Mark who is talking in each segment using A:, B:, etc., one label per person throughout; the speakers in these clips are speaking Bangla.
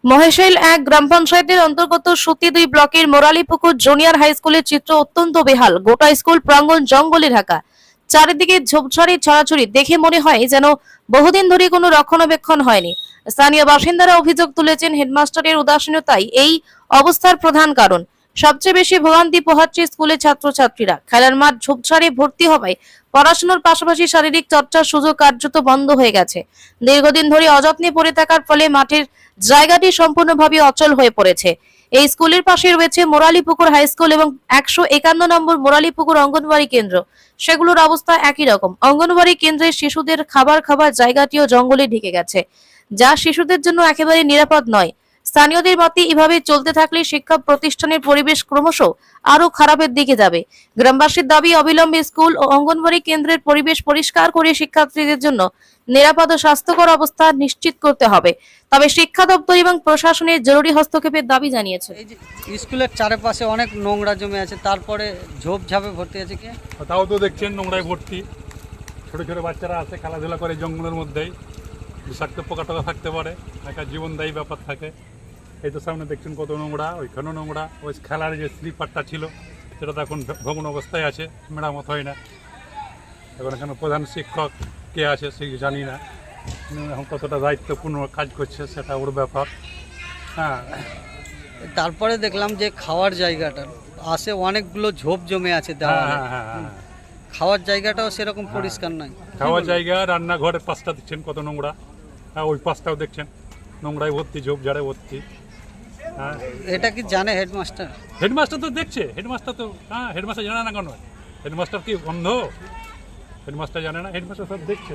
A: মহেশৈল ১ গ্রাম পঞ্চায়েতের অন্তর্গত সুতি ২ ব্লকের মোরালীপুকুর জুনিয়র হাই স্কুলের চিত্র অত্যন্ত বেহাল। গোটা স্কুল প্রাঙ্গণ জঙ্গলে ঢাকা, চারিদিকে ঝোপঝাড়ি ছড়াছড়ি। দেখে মনে হয় যেন বহুদিন ধরে কোনো রক্ষণাবেক্ষণ হয়নি। স্থানীয় বাসিন্দারা অভিযোগ তুলেছেন, হেডমাস্টারের উদাসীনতাই এই অবস্থার প্রধান কারণ। সবচেয়ে বেশি ভোগান্তি পোহাচ্ছে স্কুলের ছাত্রছাত্রীরা। খেলার মাঠ ঝোপঝাড়ে ভর্তি হওয়ায় পড়াশোনার পাশাপাশি শারীরিক চর্চার সুযোগ কার্যত বন্ধ হয়ে গেছে। দীর্ঘদিন ধরে অযত্নে পড়ে থাকার ফলে মাঠের জায়গাটি সম্পূর্ণভাবে অচল হয়ে পড়েছে। এই স্কুলের পাশে রয়েছে মোরালীপুকুর হাই স্কুল এবং ১৫১ নম্বর মোরালীপুকুর অঙ্গনওয়াড়ি কেন্দ্র। সেগুলোর অবস্থা একই রকম। অঙ্গনওয়াড়ি কেন্দ্রের শিশুদের খাবার জায়গাটিও জঙ্গলে ঢেকে গেছে, যা শিশুদের জন্য একেবারে নিরাপদ নয়। স্থানীয়দের মতে এভাবে চলতে থাকলে শিক্ষা প্রতিষ্ঠানের পরিবেশ ক্রমশ আরো খারাপের দিকে যাবে। গ্রামবাসীর দাবি, অবিলম্বে স্কুল ও অঙ্গনওয়াড়ি কেন্দ্রের পরিবেশ পরিষ্কার করে শিক্ষার্থীদের জন্য নিরাপদ ও স্বাস্থ্যকর অবস্থা নিশ্চিত করতে হবে। তবে শিক্ষা দপ্তর এবং প্রশাসনের জরুরি হস্তক্ষেপের দাবি জানিয়েছে।
B: এই যে স্কুলের চারপাশে অনেক নোংরা জমে আছে, তারপরে ঝোপঝাপে ভর্তি আছে কি?
C: তাও তো দেখছেন নোংরায় ভর্তি। ছোট ছোট বাচ্চারা আছে, খেলাধুলা করে জঙ্গলের মধ্যেই। বিষাক্ত পোকা টোকা থাকতে পারে, একটা জীবনদায়ী ব্যাপার থাকে। এই তো সামনে দেখছেন কত নোংরা, ওইখানেও নোংরা। ওই খেলার যে স্লিপারটা ছিল সেটা তো এখন ভগ্ন অবস্থায় আছে, মেরামত হয় না। এখন এখানে প্রধান শিক্ষক কে আছে সে জানি না, এখন কতটা দায়িত্বপূর্ণ কাজ করছে সেটা ওর ব্যাপার। হ্যাঁ,
B: তারপরে দেখলাম যে খাওয়ার জায়গাটা আসে অনেকগুলো ঝোপ জমে আছে দেওয়ালে। খাওয়ার জায়গাটাও সেরকম পরিষ্কার নয়।
C: খাওয়ার জায়গা, রান্নাঘরের পাশটা দেখছেন কত নোংরা। হ্যাঁ, ওই পাশটাও দেখছেন নোংরায় ভর্তি, ঝোপঝাড়ে ভর্তি। হ্যাঁ,
B: এটা কি জানে হেডমাস্টার?
C: হেডমাস্টার তো দেখছে, হেডমাস্টার তো হেডমাস্টার জানে না কেন? হেডমাস্টার কি অন্ধ? হেডমাস্টার জানে না? হেডমাস্টার সব দেখছে।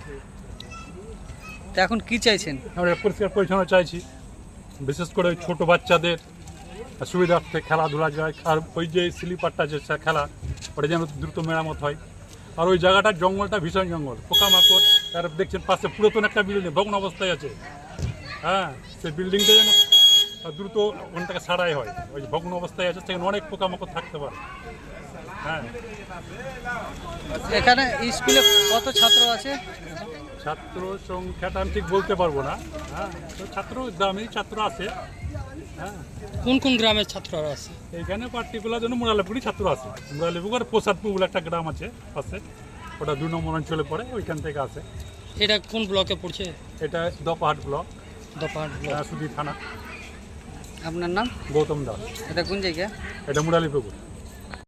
B: তো এখন কি চাইছেন?
C: আমরা পরিষ্কার পরিচ্ছন্ন চাইছি, বিশেষ করে ছোট বাচ্চাদের সুবিধার্থে খেলাধুলা যায়। আর ওই যে স্লিপারটা যে খেলা, ওটা যেন দ্রুত মেরামত হয়। আর ওই জায়গাটার জঙ্গলটা ভীষণ জঙ্গল, পোকামাকড়। তার দেখছেন পাশে পুরাতন একটা বিল্ডিং ভগ্ন অবস্থায় আছে। হ্যাঁ, সেই বিল্ডিংটা যেন দ্রুত ওখানটাকে সারাই হয়। ওই ভগ্ন অবস্থায় আছে, সেখানে অনেক পোকামাকড় থাকতে পারে। হ্যাঁ,
B: এখানে স্কুলে কত ছাত্র আছে?
C: ছাত্র সংখ্যাটা আমি ঠিক বলতে পারবো না। হ্যাঁ, তো ছাত্র গ্রামের ছাত্র আছে। হ্যাঁ,
D: কোন কোন গ্রামের ছাত্ররা আছে?
C: এইখানে পার্টিকুলার জন্য মোরালীপুকুরই ছাত্র আছে। মোরালীপুকুর প্রসাদপুর বলে একটা গ্রাম আছে পাশে, ওটা ২ নম্বর অঞ্চলে পড়ে, ওইখান থেকে আছে।
D: এটা কোন ব্লকে পড়ছে?
C: এটা দপাহাট ব্লক,
D: দপাহাট ব্লক,
C: সুধি থানা।
B: আপনার নাম?
C: গৌতম দাস।
B: এটা কোন জায়গা?
C: এটা মোরালীপুকুর।